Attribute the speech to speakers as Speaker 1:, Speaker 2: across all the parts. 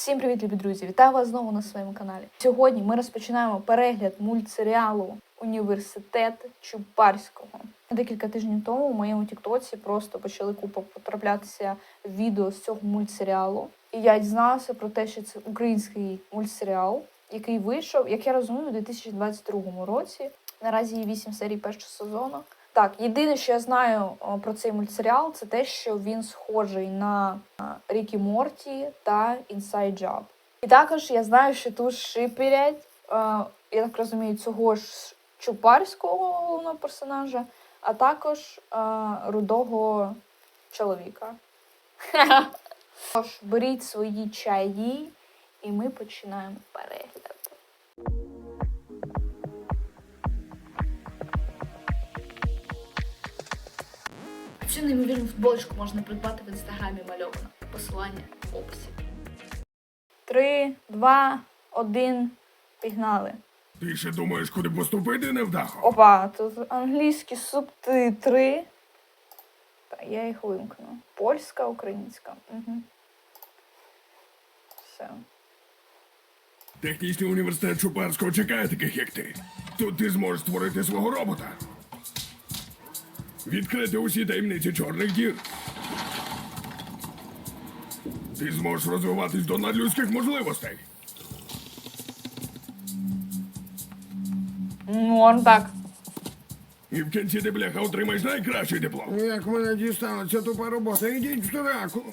Speaker 1: Всім привіт, любі друзі! Вітаю вас знову на своєму каналі. Сьогодні ми розпочинаємо перегляд мультсеріалу «Університет Чубарського». Декілька тижнів тому у моєму тіктоці просто почали потраплятися відео з цього мультсеріалу. І я дізналася про те, що це український мультсеріал, який вийшов, як я розумію, у 2022 році. Наразі є 8 серій першого сезону. Так, єдине, що я знаю про цей мультсеріал, це те, що він схожий на Рік і Морті та Inside Job. І також я знаю, що тут шиперять, я так розумію, цього ж Чубарського головного персонажа, а також рудого чоловіка. Тож, беріть свої чаї, і ми починаємо перегляд. Цю неймовірну футболочку можна придбати в інстаграмі мальована. Посилання в описі. 3, 2, 1, пігнали.
Speaker 2: Ти ще думаєш, куди поступити, невдахо?
Speaker 1: Опа, тут англійські субтитри. Та я їх вимкну. Польська, українська. Угу. Все.
Speaker 2: Технічний університет Чубарського чекає таких, як ти. Тут ти зможеш створити свого робота. Відкрити усі таємниці чорних дір. Ти зможеш розвиватись до надлюдських можливостей.
Speaker 1: Норм так.
Speaker 2: І в кінці ти, бляха, отримаєш найкращий диплом.
Speaker 3: Як мене дістала ця тупа робота, ідіть в сраку.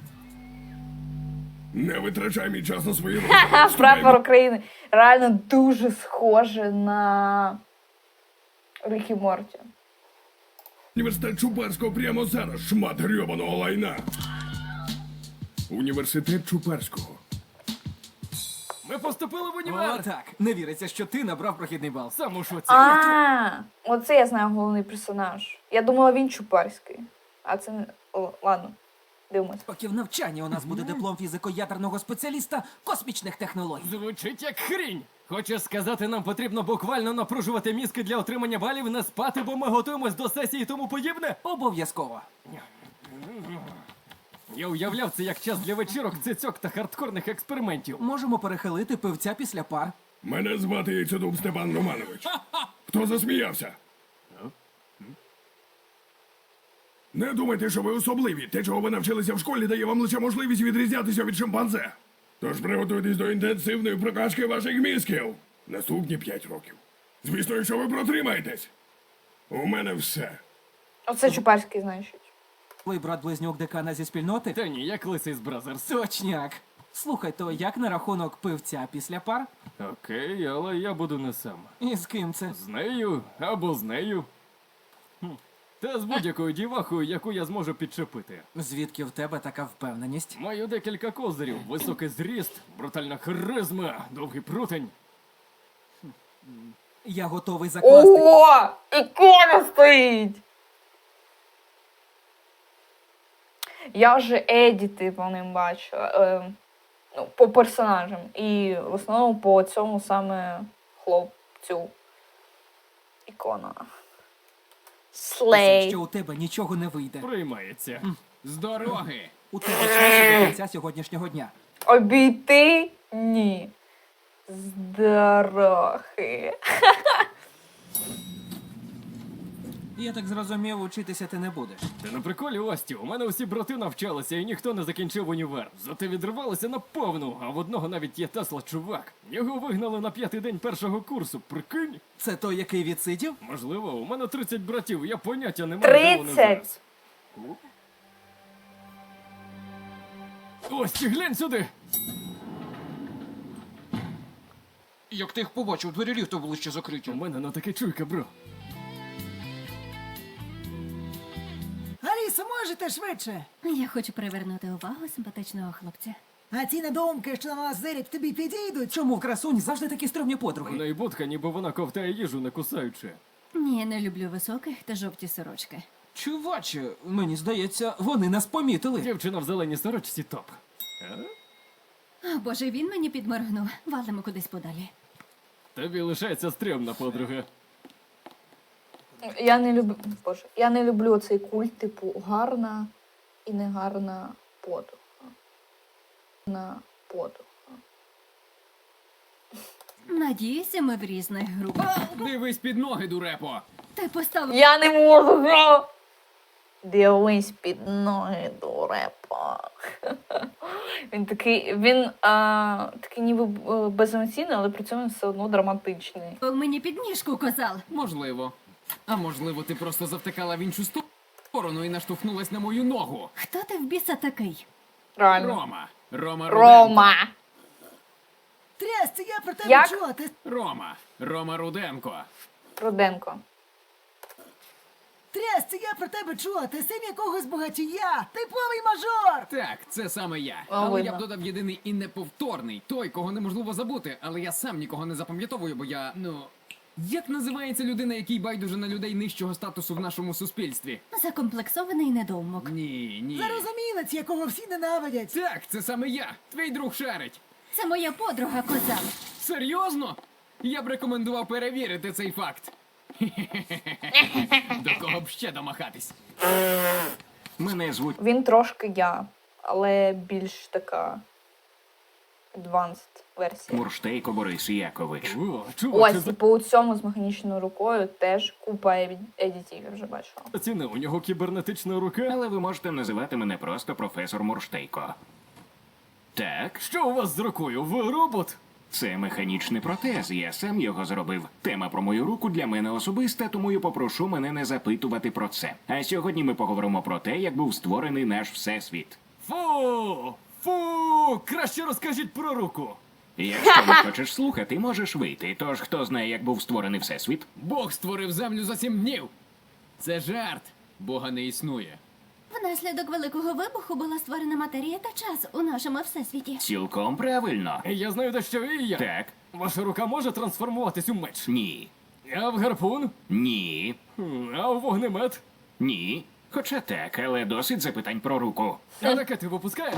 Speaker 2: Не витрачай мій час на свої
Speaker 1: Ха-ха, прапор України. Реально дуже схоже на Рік і Морті.
Speaker 2: Університет Чубарського прямо зараз, шмат грьобаного лайна. Університет Чубарського.
Speaker 4: Ми поступили в універ!
Speaker 5: О, так. Не віриться, що ти набрав прохідний бал.
Speaker 4: Сам у шоці.
Speaker 1: Оце я знаю головний персонаж. Я думала, він Чубарський. А це не... О, ладно, дивимось.
Speaker 5: Років навчання у нас буде диплом фізико-ядерного спеціаліста космічних технологій.
Speaker 4: Звучить як хрінь. Хочеш сказати, нам потрібно буквально напружувати мізки для отримання балів, не спати, бо ми готуємось до сесії і тому подібне?
Speaker 5: Обов'язково.
Speaker 4: Я уявляв це як час для вечірок, цицьок та хардкорних експериментів.
Speaker 5: Можемо перехилити пивця після пар.
Speaker 2: Мене звати Яйцедуб Степан Романович. Хто засміявся? Не думайте, що ви особливі. Те, чого ви навчилися в школі, дає вам лише можливість відрізнятися від шимпанзе. Тож приготуйтесь до інтенсивної прокачки ваших мізків. Наступні 5 років. Звісно, якщо ви протримаєтесь. У мене все.
Speaker 1: Оце Чубарський, значить.
Speaker 5: Твій брат-близнюк декана зі спільноти?
Speaker 4: Та ні, як лисий з Бразерс.
Speaker 5: Точняк. Слухай, то як на рахунок пивця після пар?
Speaker 4: Окей, але я буду не сам.
Speaker 5: І з ким це?
Speaker 4: З нею або з нею. Та з будь-якою дівахою, яку я зможу підчепити.
Speaker 5: Звідки в тебе така впевненість?
Speaker 4: Маю декілька козирів. Високий зріст, брутальна харизма, довгий прутень.
Speaker 5: Я готовий закласти.
Speaker 1: О! Ікона стоїть! Я вже едіти по ним бачила. Ну, по персонажам. І в основному по цьому саме хлопцю. Ікона. Слей.
Speaker 5: Що у тебе нічого не вийде.
Speaker 4: Приймається.
Speaker 6: З дороги!
Speaker 5: У тебе час до кінця сьогоднішнього дня.
Speaker 1: Обійти? Ні. З дороги.
Speaker 5: Я так зрозумів, учитися ти не будеш.
Speaker 4: Ти на приколі, Ості, у мене усі брати навчалися і ніхто не закінчив універ. Зате відривалися на повну, а в одного навіть є Тесла, чувак. Його вигнали на 5-й день першого курсу, прикинь?
Speaker 5: Це той, який відсидів?
Speaker 4: Можливо, у мене 30 братів, я поняття не маю, де вони
Speaker 1: 30?
Speaker 4: зараз. Ості, глянь сюди!
Speaker 6: Як ти їх побачив, двері ліфту були ще закриті.
Speaker 4: У мене на таке чуйка, бро.
Speaker 7: Алісо, можете швидше?
Speaker 8: Я хочу привернути увагу симпатичного хлопця.
Speaker 7: А ці недоумки, що на нас зирять, тобі підійдуть?
Speaker 5: Чому красунь завжди такі стрьомні
Speaker 4: У
Speaker 5: подруги?
Speaker 4: неї будка, ніби вона ковтає їжу, не кусаючи.
Speaker 8: Ні, не люблю високих та жовті сорочки.
Speaker 5: Чуваче, мені здається, вони нас помітили.
Speaker 4: Дівчина в зеленій сорочці топ.
Speaker 8: О, Боже, він мені підморгнув. Валимо кудись подалі.
Speaker 4: Тобі лишається стрьомна подруга.
Speaker 1: Я не люблю цей культ, типу, гарна і негарна подруга. подруга.
Speaker 8: Надіюся, ми в різних групах.
Speaker 6: Дивись під ноги, дурепо.
Speaker 8: Ти поставив
Speaker 1: Я не можу. га! Дивись під ноги, дурепа. Він такий ніби беземоційний, але при цьому він все одно драматичний.
Speaker 8: мені підніжку козал.
Speaker 6: Можливо. А можливо, ти просто завтикала в іншу сторону і наштовхнулась на мою ногу.
Speaker 8: Хто ти в біса такий?
Speaker 1: Реально.
Speaker 6: Рома Руденко.
Speaker 1: Рома.
Speaker 7: Трясся, я про тебе
Speaker 1: Як?
Speaker 7: чула. Ти
Speaker 6: Рома Руденко.
Speaker 1: Руденко.
Speaker 7: трясся, я про тебе чула. Ти син якогось багатія. Типовий мажор.
Speaker 6: Так, це саме я.
Speaker 1: О,
Speaker 6: Але
Speaker 1: видно.
Speaker 6: я б додав єдиний і неповторний. Той, кого неможливо забути, але я сам нікого не запам'ятовую, бо я, Як називається людина, який байдуже на людей нижчого статусу в нашому суспільстві?
Speaker 8: Закомплексований недоумок.
Speaker 6: Ні.
Speaker 7: Зарозумілець, якого всі ненавидять.
Speaker 6: Так, це саме я. Твій друг шарить.
Speaker 8: Це моя подруга козал.
Speaker 6: Серйозно? Я б рекомендував перевірити цей факт. До кого б ще домахатись?
Speaker 9: Мене звуть
Speaker 1: Він трошки я, але більш така advanced версія.
Speaker 9: Мурштейко Борис Якович.
Speaker 4: О, чуваче,
Speaker 1: Ось, і по цьому з механічною рукою теж купа едітів, я вже бачила.
Speaker 4: заціни, у нього кібернетична рука.
Speaker 9: Але ви можете називати мене просто професор Мурштейко. Так,
Speaker 4: Що у вас з рукою? Ви робот?
Speaker 9: це механічний протез, я сам його зробив. Тема про мою руку для мене особиста, тому я попрошу мене не запитувати про це. А сьогодні ми поговоримо про те, як був створений наш всесвіт.
Speaker 4: Фу! Краще розкажіть про руку.
Speaker 9: Якщо не хочеш слухати, можеш вийти. Тож хто знає, як був створений всесвіт?
Speaker 6: Бог створив землю за 7 днів. Це жарт. Бога не існує.
Speaker 8: Внаслідок великого вибуху була створена матерія та час у нашому всесвіті.
Speaker 9: Цілком правильно.
Speaker 4: Я знаю дещо і я.
Speaker 9: Так,
Speaker 4: Ваша рука може трансформуватись у меч.
Speaker 9: ні,
Speaker 4: А в гарпун?
Speaker 9: ні,
Speaker 4: А в вогнемет?
Speaker 9: ні. Хоча так, але досить запитань про руку.
Speaker 4: А ракети випускає?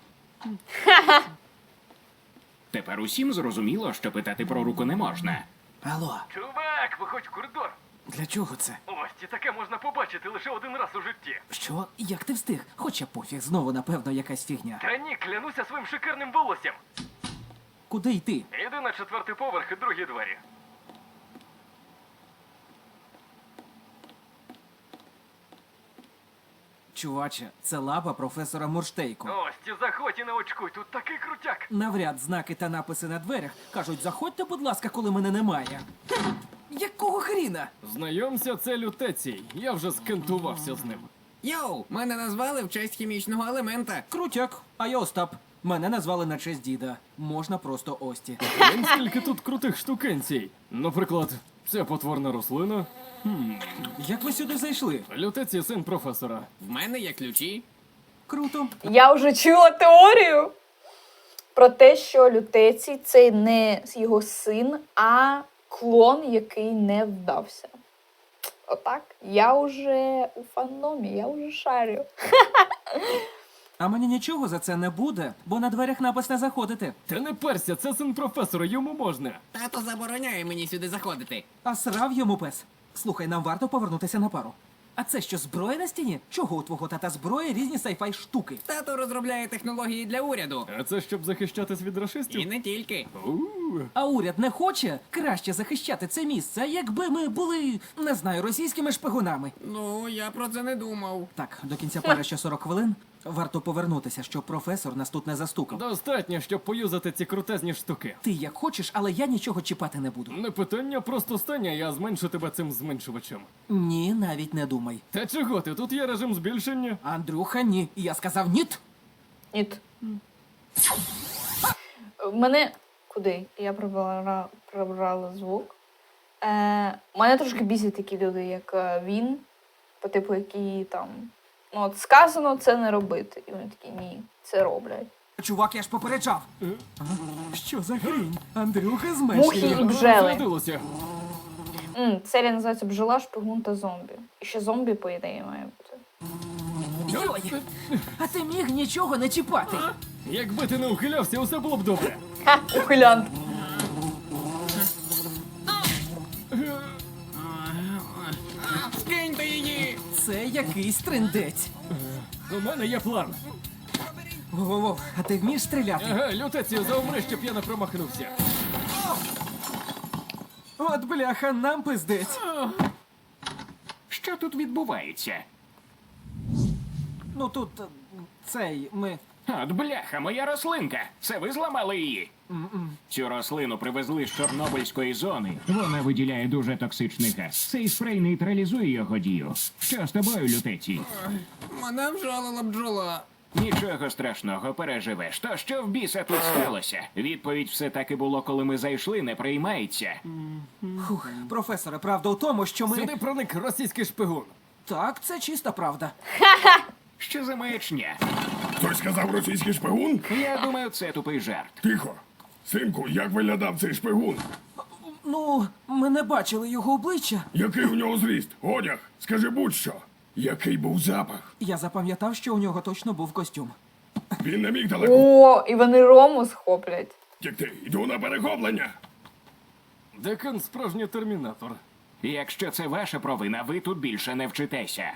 Speaker 9: Тепер усім зрозуміло, що питати про руку не можна.
Speaker 5: Алло,
Speaker 4: Чувак, виходь в коридор.
Speaker 5: для чого це?
Speaker 4: Ось, і таке можна побачити лише один раз у житті.
Speaker 5: Що? Як ти встиг? Хоча пофіг, знову, напевно, якась фігня.
Speaker 4: Та ні, клянуся своїм шикарним волоссям.
Speaker 5: Куди йти?
Speaker 4: Іди на 4-й поверх і другі двері.
Speaker 5: Чуваче, це лаба професора Мурштейко.
Speaker 4: Ось, ті заходь і не очкуй, тут такий крутяк.
Speaker 5: Навряд знаки та написи на дверях кажуть, заходьте, будь ласка, коли мене немає. Якого хріна?
Speaker 4: Знайомся, це лютецій. Я вже скентувався з ним.
Speaker 6: Йоу, мене назвали в честь хімічного елемента.
Speaker 5: Крутяк, а я Остап. Мене назвали на честь діда. Можна просто Ості.
Speaker 4: Вон скільки тут крутих штукенцій. Наприклад, ця потворна рослина.
Speaker 5: Як ви сюди зайшли?
Speaker 4: Лютецій син професора.
Speaker 6: В мене є ключі.
Speaker 5: Круто.
Speaker 1: Я вже чула теорію про те, що Лютецій це не його син, а клон, який не вдався. Отак. Я вже у фандомі, я вже шарю.
Speaker 5: А мені нічого за це не буде, бо на дверях напис не заходити.
Speaker 4: Та не перся, це син професора, йому можна.
Speaker 6: Тато забороняє мені сюди заходити.
Speaker 5: А срав йому пес. Слухай, нам варто повернутися на пару. А це що, зброя на стіні? Чого у твого тата зброя різні сайфай штуки?
Speaker 6: Тато розробляє технології для уряду.
Speaker 4: А це щоб захищатись від
Speaker 6: І
Speaker 4: рашистів?
Speaker 6: не тільки.
Speaker 5: А уряд не хоче краще захищати це місце, якби ми були, не знаю, російськими шпигунами.
Speaker 6: Ну, я про це не думав.
Speaker 5: Так, до кінця пари ще 40 хвилин. Варто повернутися, щоб професор нас тут не застукав.
Speaker 4: Достатньо, щоб поюзати ці крутезні штуки.
Speaker 5: Ти як хочеш, але я нічого чіпати не буду.
Speaker 4: Не питання, просто стань, а я зменшу тебе цим зменшувачем.
Speaker 5: Ні, навіть не думай.
Speaker 4: Та чого ти? Тут є режим збільшення.
Speaker 5: Андрюха, ні. Я сказав ніт.
Speaker 1: Ніт. Мене. Куди? Я прибрала звук. Мене трошки бісять такі люди, як він, по типу, які там. Ну, от сказано це не робити. І вони такі, ні, це роблять.
Speaker 5: Чувак, я ж попереджав. Що за хрінь? Андрюха
Speaker 1: Мухи
Speaker 5: зменшує.
Speaker 1: і бджели.
Speaker 4: Зрадилося.
Speaker 1: Серія називається Бджола, шпигун та зомбі. І ще зомбі, по ідеї, має бути.
Speaker 5: Йой! А ти міг нічого не чіпати.
Speaker 4: Якби ти не ухилявся, усе було б добре.
Speaker 1: Ха, ухилянт.
Speaker 6: Скиньте її!
Speaker 5: Це якийсь трендець.
Speaker 4: У мене є план.
Speaker 5: Воу-воу-воу, а ти вмієш стріляти?
Speaker 4: Ага, лютецію, заумри, щоб я не промахнувся.
Speaker 5: От бляха, нам пиздець.
Speaker 9: Що тут відбувається?
Speaker 5: Ну тут ми.
Speaker 9: От бляха, моя рослинка. Це ви зламали її? Цю рослину привезли з Чорнобильської зони. Вона виділяє дуже токсичний газ. Цей спрей нейтралізує його дію. Що з тобою, лютеці?
Speaker 6: Мене вжалила бджола.
Speaker 9: Нічого страшного, переживеш. То що в біса тут сталося? Відповідь все таки було, коли ми зайшли, не приймається.
Speaker 5: Фух, професоре, правда у тому, що ми.
Speaker 4: Сюди проник російський шпигун.
Speaker 5: Так, це чиста правда.
Speaker 9: Що за маячня?
Speaker 2: Хтось сказав російський шпигун?
Speaker 9: Я думаю, це тупий жарт.
Speaker 2: Тихо. Синку, як виглядав цей шпигун?
Speaker 5: Ну, ми не бачили його обличчя.
Speaker 2: Який у нього зріст? Одяг? Скажи будь-що. Який був запах?
Speaker 5: Я запам'ятав, що у нього точно був костюм.
Speaker 2: Він не міг далеко
Speaker 1: О, і вони Рому схоплять.
Speaker 2: втекти. Йду на перехоплення.
Speaker 4: Декан справжній термінатор.
Speaker 9: Якщо це ваша провина, ви тут більше не вчитеся.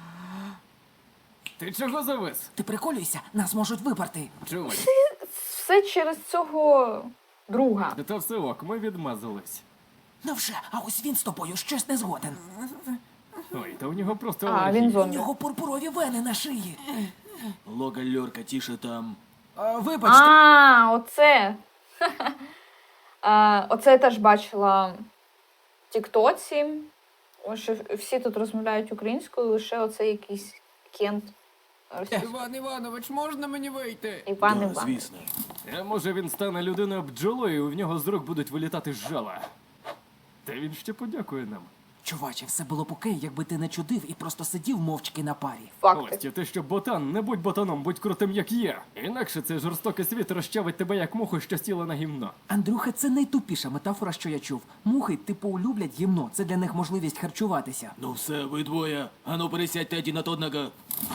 Speaker 4: Ти чого завис?
Speaker 5: Ти приколюйся, нас можуть випарти.
Speaker 4: Чувак,
Speaker 1: Все через цього друга.
Speaker 4: та все ок, ми відмазались.
Speaker 5: Ну вже, а ось він з тобою щось не згоден.
Speaker 4: Ой, та у нього просто
Speaker 1: А,
Speaker 4: алергія.
Speaker 1: він
Speaker 5: У
Speaker 1: зомбі.
Speaker 5: нього пурпурові вени на шиї.
Speaker 10: Лога-льорка, тише там.
Speaker 5: Вибачте.
Speaker 1: А, оце. Оце я теж бачила в Тіктоці. Ось що всі тут розмовляють українською, лише оце якийсь Кент.
Speaker 6: Іван Іванович, можна мені вийти?
Speaker 1: Іван
Speaker 10: Да,
Speaker 1: Іван.
Speaker 10: звісно.
Speaker 4: А може він стане людиною бджолою, і в нього з рук будуть вилітати жала. Та він ще подякує нам.
Speaker 5: Чуваче, все було б окей, якби ти не чудив і просто сидів мовчки на парі.
Speaker 1: Факти.
Speaker 4: Костя, ти що ботан, не будь ботаном, будь крутим, як я. Інакше цей жорстокий світ розчавить тебе як муху, що сіла на гімно.
Speaker 5: Андрюха, це найтупіша метафора, що я чув. Мухи, типу, люблять гімно. Це для них можливість харчуватися.
Speaker 10: Ну все, ви двоє. Ану пересядьте один на одного.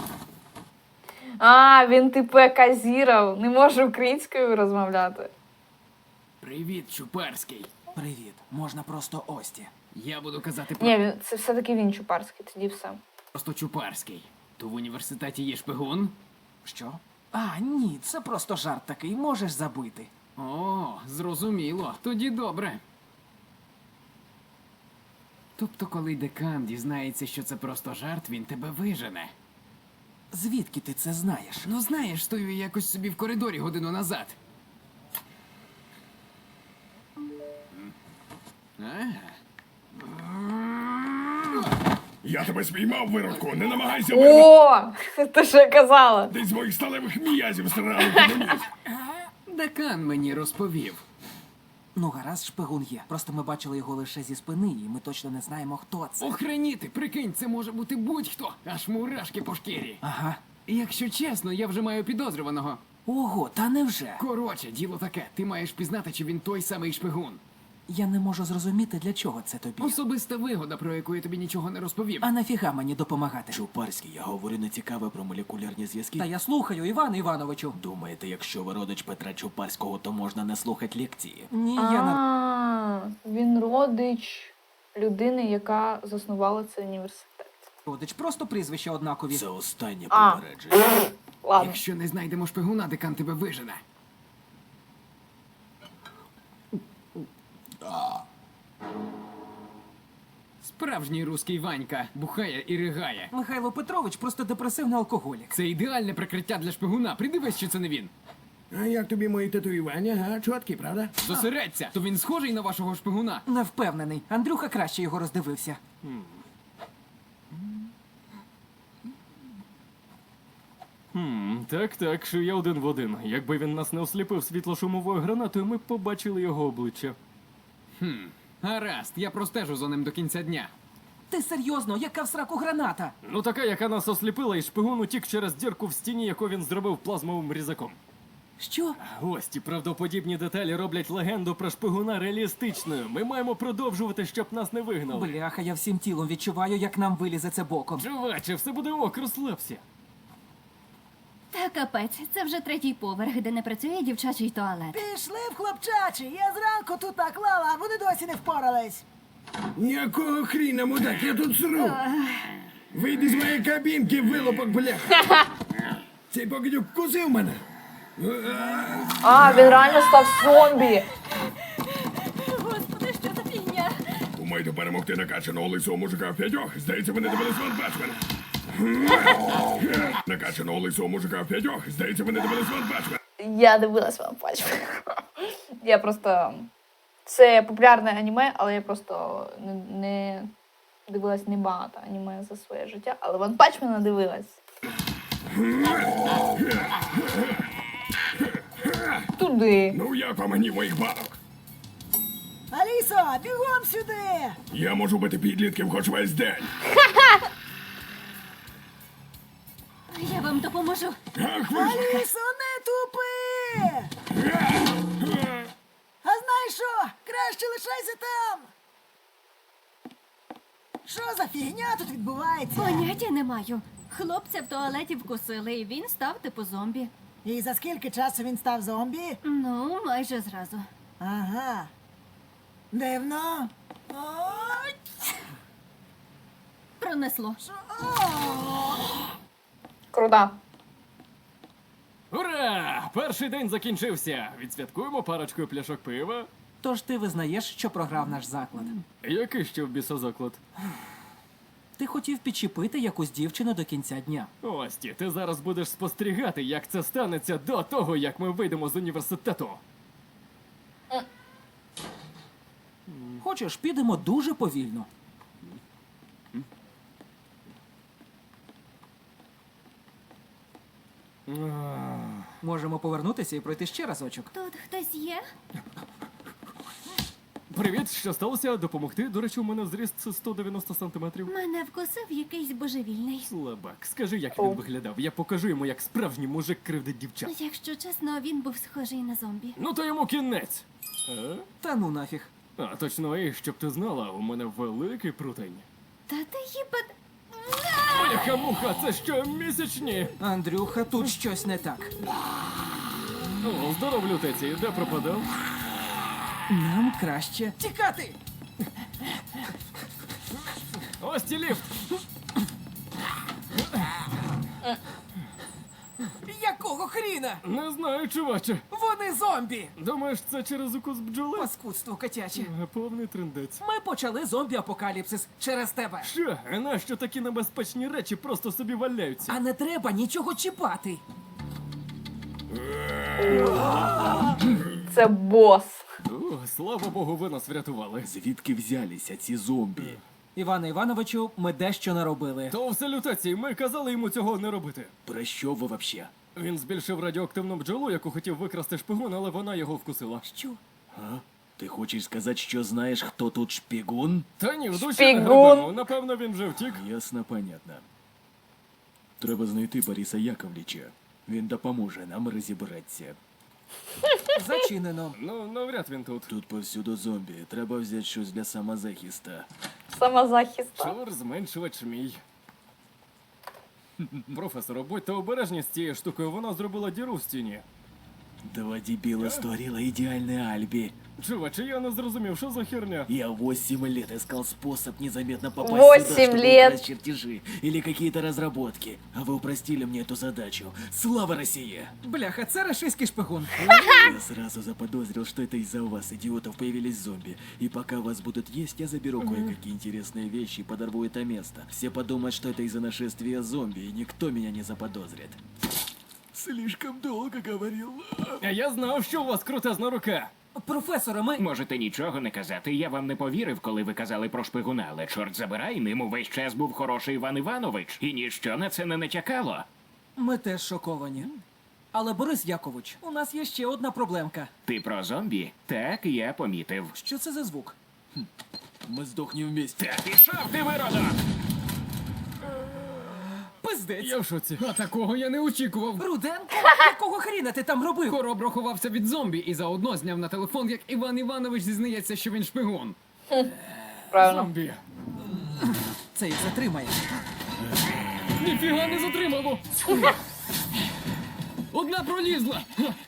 Speaker 1: А, він типу казіров, не може українською розмовляти.
Speaker 6: Привіт, Чупарський.
Speaker 5: Привіт, можна просто Ості.
Speaker 6: Я буду казати
Speaker 1: Ні, це все-таки він Чупарський, тоді все.
Speaker 6: просто Чупарський. То в університеті є шпигун?
Speaker 5: Що? А, ні, це просто жарт такий, можеш забити.
Speaker 6: О, зрозуміло. Тоді добре. Тобто, коли декан дізнається, що це просто жарт, він тебе вижене.
Speaker 5: Звідки ти це знаєш?
Speaker 6: Ну знаєш, стою я якось собі в коридорі годину назад.
Speaker 2: Я тебе спіймав, виродку. Не намагайся вирвати.
Speaker 1: О! Ти що я казала?
Speaker 2: Ти з моїх сталевих м'язів стріляли комуніст.
Speaker 6: Декан мені розповів.
Speaker 5: Ну, гаразд, шпигун є. Просто ми бачили його лише зі спини, і ми точно не знаємо, хто це.
Speaker 6: Охреніти, прикинь, це може бути будь-хто. Аж мурашки по шкірі.
Speaker 5: Ага.
Speaker 6: Якщо чесно, я вже маю підозрюваного.
Speaker 5: Ого, та невже?
Speaker 6: Коротше, діло таке. Ти маєш пізнати, чи він той самий шпигун.
Speaker 5: Я не можу зрозуміти, для чого це тобі.
Speaker 6: Особиста вигода, про яку я тобі нічого не розповів.
Speaker 5: А нафіга мені допомагати?
Speaker 10: Чупарський, я говорю не цікаве про молекулярні зв'язки.
Speaker 5: Та я слухаю, Іване Івановичу.
Speaker 10: Думаєте, якщо ви родич Петра Чупарського, то можна не слухати лекції?
Speaker 5: Ні, я не...
Speaker 1: А, він родич людини, яка заснувала цей університет.
Speaker 5: Родич, просто прізвища однакові.
Speaker 10: Це останнє
Speaker 1: А.
Speaker 10: попередження.
Speaker 1: Ладно.
Speaker 6: Якщо не знайдемо шпигуна, декан тебе вижене. Справжній руський Ванька бухає і ригає.
Speaker 5: Михайло Петрович просто депресивний алкоголік.
Speaker 6: Це ідеальне прикриття для шпигуна. Придивись, що це не він.
Speaker 3: А як тобі мої татуювання, га? Чоткі, правда?
Speaker 6: Зосередься, то він схожий на вашого шпигуна.
Speaker 5: Не впевнений. Андрюха краще його роздивився.
Speaker 4: Так, що я один в один. Якби він нас не осліпив світлошумовою гранатою, ми б побачили його обличчя.
Speaker 6: Гаразд, я простежу за ним до кінця дня.
Speaker 5: Ти серйозно, яка в сраку граната?
Speaker 4: Ну така, яка нас осліпила, і шпигун утік через дірку в стіні, яку він зробив плазмовим різаком.
Speaker 5: Що?
Speaker 4: Ось ті правдоподібні деталі роблять легенду про шпигуна реалістичною. Ми маємо продовжувати, щоб нас не вигнали.
Speaker 5: Бляха, я всім тілом відчуваю, як нам вилізе це боком.
Speaker 4: Чуваче, все буде ок, розслабся.
Speaker 8: Та капець, це вже 3-й поверх, де не працює дівчачий туалет.
Speaker 7: Пішли в хлопчачі. Я зранку тут наклала, а вони досі не впорались.
Speaker 3: Якого хріна, мудак, я тут сру. Вийди з моєї кабінки, вилопок, бляха. Цей покидюк вкусив мене.
Speaker 1: А, він реально став зомбі.
Speaker 8: Господи, що за фігня?
Speaker 2: Думаєте перемогти накачаного лисого мужика в п'ятьох? Здається, ви не дивились Ван Бачмена. Накачаного лисого мужика в п'ятьох? Здається, ви не дивились Ван Бачмена.
Speaker 1: Я дивилась вам Пачмен. Я просто. Це популярне аніме, але я просто не дивилась небагато аніме за своє життя, але Ван Пачмена дивилась. Туди.
Speaker 2: Ну як вам мені моїх банок?
Speaker 7: Алісо, бігом сюди!
Speaker 2: Я можу бити підлітків хоч весь день.
Speaker 8: Я вам допоможу.
Speaker 2: Ах ви ж!
Speaker 7: Алісо, не тупи! А знаєш що? Краще лишайся там! Що за фігня тут відбувається?
Speaker 8: Поняття не маю. Хлопця в туалеті вкусили, і він став типу зомбі.
Speaker 7: І за скільки часу він став зомбі?
Speaker 8: Ну, майже зразу.
Speaker 7: Ага. Дивно. Ой,
Speaker 8: Пронесло.
Speaker 1: Крута.
Speaker 4: Ура! Перший день закінчився. Відсвяткуємо парочкою пляшок пива.
Speaker 5: Тож ти визнаєш, що програв наш заклад.
Speaker 4: Який ще в біса заклад?
Speaker 5: Ти хотів підчепити якусь дівчину до кінця дня.
Speaker 4: Ості, ти зараз будеш спостерігати, як це станеться до того, як ми вийдемо з університету.
Speaker 5: Хочеш, підемо дуже повільно. Можемо повернутися і пройти ще разочок.
Speaker 8: Тут хтось є?
Speaker 4: Привіт, що сталося? Допомогти? До речі, у мене зріст 190 сантиметрів.
Speaker 8: Мене вкусив якийсь божевільний.
Speaker 4: Слабак, скажи, як він виглядав. Я покажу йому, як справжній мужик кривдить дівчат.
Speaker 8: Якщо чесно, він був схожий на зомбі.
Speaker 4: Ну то йому кінець.
Speaker 5: Та ну нафіг.
Speaker 4: А точно, і щоб ти знала, у мене великий прутень.
Speaker 8: Та ти їбать...
Speaker 4: Моя муха, це що, місячні?
Speaker 5: Андрюха, тут щось не так.
Speaker 4: О, здоров, лютеці, де пропадав?
Speaker 5: Нам краще тікати!
Speaker 4: Ось ті ліфт!
Speaker 5: Якого хріна?
Speaker 4: Не знаю, чуваче.
Speaker 5: Вони зомбі!
Speaker 4: Думаєш, це через укус бджоли?
Speaker 5: Паскудство котяче.
Speaker 4: Повний трендець.
Speaker 5: Ми почали зомбі-апокаліпсис через тебе.
Speaker 4: Що? А нащо такі небезпечні речі просто собі валяються?
Speaker 5: А не треба нічого чіпати.
Speaker 1: Це бос.
Speaker 4: О, слава Богу, ви нас врятували.
Speaker 10: Звідки взялися ці зомбі?
Speaker 5: Іване Івановичу, ми дещо наробили.
Speaker 4: То все лютеції, ми казали йому цього не робити.
Speaker 10: Про що ви вообще?
Speaker 4: Він збільшив радіоактивну бджолу, яку хотів викрасти шпигун, але вона його вкусила.
Speaker 5: Що?
Speaker 10: А? Ти хочеш сказати, що знаєш, хто тут шпигун?
Speaker 4: Та ні, в душі
Speaker 1: Шпигун.
Speaker 4: не грабимо. Напевно, він вже втік.
Speaker 10: Ясно, понятно. Треба знайти Бориса Яковлевича. Він допоможе нам розібратися.
Speaker 5: Зачинено.
Speaker 4: Ну, навряд він тут.
Speaker 10: Тут повсюду зомбі. Треба взяти щось для самозахисту.
Speaker 1: Самозахист.
Speaker 4: Чор зменшувач мій. Професоре, будьте обережні з цією штукою, вона зробила діру в стіні.
Speaker 10: Два дебила створила ідеальне альбі.
Speaker 4: Чуваче, я не зрозумів, що за херня?
Speaker 10: Я 8 лет искал способ незаметно попасть
Speaker 1: 8
Speaker 10: сюда, чтобы
Speaker 1: лет.
Speaker 10: украсть чертежи или какие-то разработки. А вы упростили мне эту задачу. Слава России!
Speaker 5: Бляха, це рашистський шпигун.
Speaker 10: Я сразу заподозрил, что это из-за вас, идиотов, появились зомби. И пока вас будут есть, я заберу кое-какие интересные вещи и подорву это место. Все подумают, что это из-за нашествия зомби, и никто меня не заподозрит. Слишком долго говорил.
Speaker 4: А я знав, що у вас крутезна рука.
Speaker 5: Професоре, ми...
Speaker 9: Можете нічого не казати. Я вам не повірив, коли ви казали про шпигуна, але чорт забирай, ним увесь час був хороший Іван Іванович, і ніщо на це не натякало.
Speaker 5: Ми теж шоковані. Але, Борис Якович, у нас є ще одна проблемка.
Speaker 9: Ти про зомбі? Так, я помітив.
Speaker 5: Що це за звук?
Speaker 10: Мы сдохнем вместе.
Speaker 9: Та пішов ти, виродок!
Speaker 5: Пиздець!
Speaker 4: Я в шоці.
Speaker 6: А такого я не очікував.
Speaker 5: Руденко? Якого хріна ти там робив?
Speaker 6: Короб ховався від зомбі і заодно зняв на телефон, як Іван Іванович зізнається, що він шпигун.
Speaker 1: Правильно.
Speaker 4: Зомбі.
Speaker 5: Це їх затримає.
Speaker 6: Ніфіга не затримало! Одна пролізла!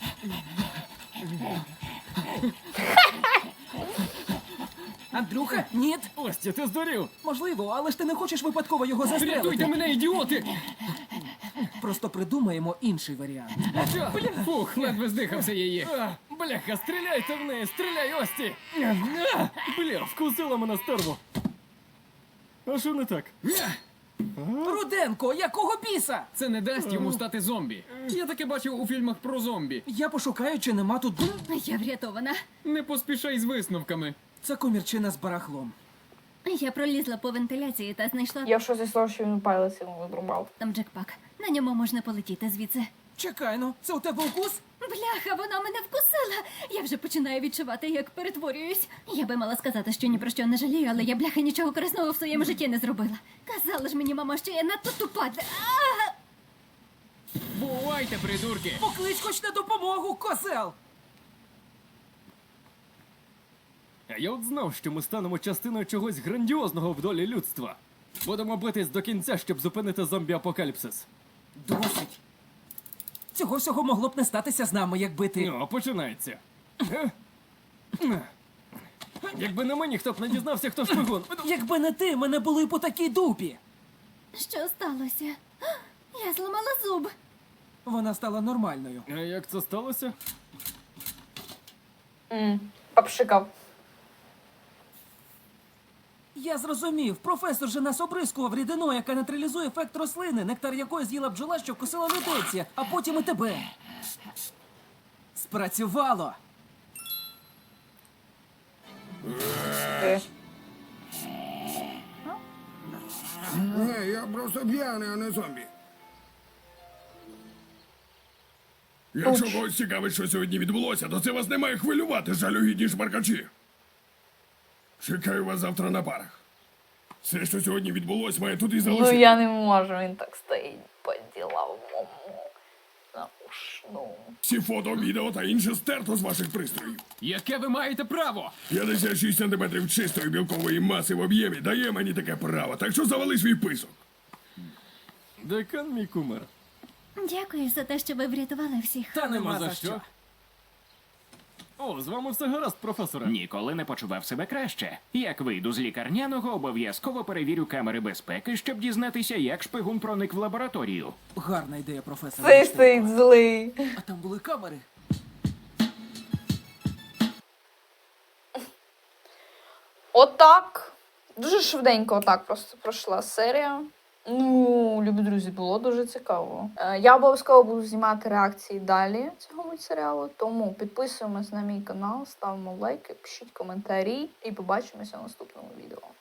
Speaker 5: Андрюха? Ні?
Speaker 4: Ості, ти здурів.
Speaker 5: Можливо, але ж ти не хочеш випадково його застрелити.
Speaker 6: Рятуйте мене, ідіоти!
Speaker 5: Просто придумаємо інший варіант.
Speaker 4: Що?
Speaker 6: Фух, ледве здихався її.
Speaker 4: Бляха, стріляйте в неї, стріляй, Ості! Бля, вкусила мене стерво. А що не так?
Speaker 5: Руденко, якого біса?
Speaker 6: Це не дасть йому стати зомбі. Я таке бачив у фільмах про зомбі.
Speaker 5: Я пошукаю, чи нема тут.
Speaker 8: Я врятована.
Speaker 6: Не поспішай з висновками.
Speaker 5: Це комірчина з барахлом.
Speaker 8: Я пролізла по вентиляції та знайшла
Speaker 1: Я в шоці з того, що він палець йому видрубав.
Speaker 8: там джекпак. На ньому можна полетіти звідси.
Speaker 5: Чекай, ну, це у тебе укус?
Speaker 8: Бляха, вона мене вкусила. Я вже починаю відчувати, як перетворююсь. Я би мала сказати, що ні про що не жалію, але я бляха нічого корисного в своєму житті не зробила. Казала ж мені мама, що я надто тупа для...
Speaker 6: Бувайте, придурки!
Speaker 5: Поклич хоч на допомогу, козел!
Speaker 4: А я от знав, що ми станемо частиною чогось грандіозного в долі людства. Будемо битись до кінця, щоб зупинити зомбі-апокаліпсис.
Speaker 5: Досить. Цього всього могло б не статися з нами, якби ти.
Speaker 4: Ну, починається. Якби не мені, хто б не дізнався, хто шпигун.
Speaker 5: Якби не ти, ми не були б у такій дупі.
Speaker 8: Що сталося? Я зламала зуб.
Speaker 5: Вона стала нормальною.
Speaker 4: А як це сталося?
Speaker 1: Попшикав.
Speaker 5: Я зрозумів, професор же нас обрискував рідиною, яка нейтралізує ефект рослини, нектар якої з'їла бджола, що вкусила лютеція, а потім і тебе. Спрацювало!
Speaker 3: Ні, я просто п'яний, а не зомбі.
Speaker 2: Якщо когось цікавить, що сьогодні відбулося, то це вас не має хвилювати, жалюгідні шмаркачі. Чекаю вас завтра на парах. Все, що сьогодні відбулось, має тут і
Speaker 1: Ну
Speaker 2: залишитися.
Speaker 1: я не можу, він так стоїть по-діловому. Ну.
Speaker 2: Всі фото, відео та інше стерто з ваших пристроїв.
Speaker 6: Яке ви маєте право?
Speaker 2: 56 сантиметрів чистої білкової маси в об'ємі дає мені таке право, так що завали свій писок.
Speaker 4: Декан мій кумир.
Speaker 8: Дякую за те, що ви врятували всіх.
Speaker 5: Та нема
Speaker 4: Нема
Speaker 5: за
Speaker 4: за
Speaker 5: що.
Speaker 4: що. О, з вами все гаразд, професоре.
Speaker 9: Ніколи не почував себе краще. Як вийду з лікарняного, обов'язково перевірю камери безпеки, щоб дізнатися, як шпигун проник в лабораторію.
Speaker 5: Гарна ідея, професор.
Speaker 1: Цей стоїть злий.
Speaker 5: А там були камери.
Speaker 1: Отак. Дуже швиденько отак просто пройшла серія. Ну, любі друзі, було дуже цікаво. Я обов'язково буду знімати реакції далі цього мультсеріалу, тому підписуємось на мій канал, ставимо лайки, пишіть коментарі і побачимося в наступному відео.